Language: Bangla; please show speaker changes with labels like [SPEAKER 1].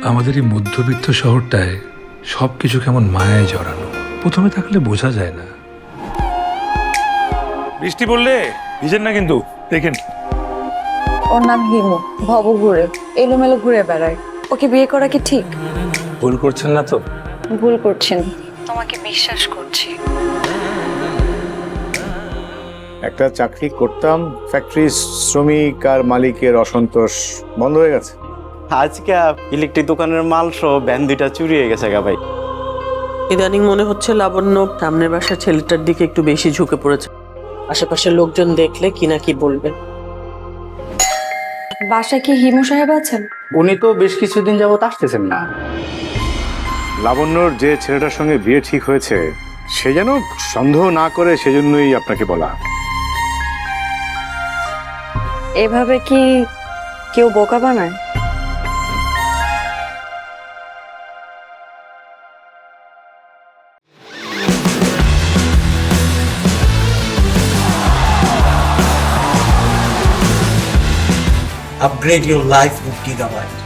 [SPEAKER 1] আমাদের এই মধ্যবিত্ত শহরটায় সবকিছু কেমন মায়ায় জড়ানো। প্রথমে থাকলে বোঝা যায় না। বৃষ্টি পড়লে ভিজেন না কিন্তু, দেখেন।
[SPEAKER 2] ওর নাম হিমু, ভব ঘুরে এলোমেলো ঘুরে বেড়ায়। ওকে বিয়ে করা কি ঠিক?
[SPEAKER 1] ভুল করছেন না তো?
[SPEAKER 2] ভুল করছেন, তোমাকে বিশ্বাস করছি।
[SPEAKER 3] একটা চাকরি করতাম, ফ্যাক্টরি শ্রমিক আর মালিকের অসন্তোষ বন্ধ হয়ে গেছে।
[SPEAKER 4] আজকে ইলেকট্রিক দোকানের মাল সহ ভ্যান দুইটা চুরি হয়ে গেছে গা ভাই।
[SPEAKER 5] ইদানিং মনে হচ্ছে লাবণ্য সামনের বাসার ছেলেটার দিকে একটু বেশি ঝুঁকে পড়েছে। আশেপাশের লোকজন দেখলে কি না কি বলবে।
[SPEAKER 2] বাসায় কি হিমু সাহেব আছেন?
[SPEAKER 6] উনি তো বেশ কিছুদিন যাবত আসতেছেন না।
[SPEAKER 3] লাবণ্যর যে ছেলেটার সঙ্গে বিয়ে ঠিক হয়েছে সে যেন সন্দেহ না করে, সেজন্যই আপনাকে বলা।
[SPEAKER 2] এভাবে কি কেউ বোকা বানায়?
[SPEAKER 7] Upgrade your life with Gigabyte.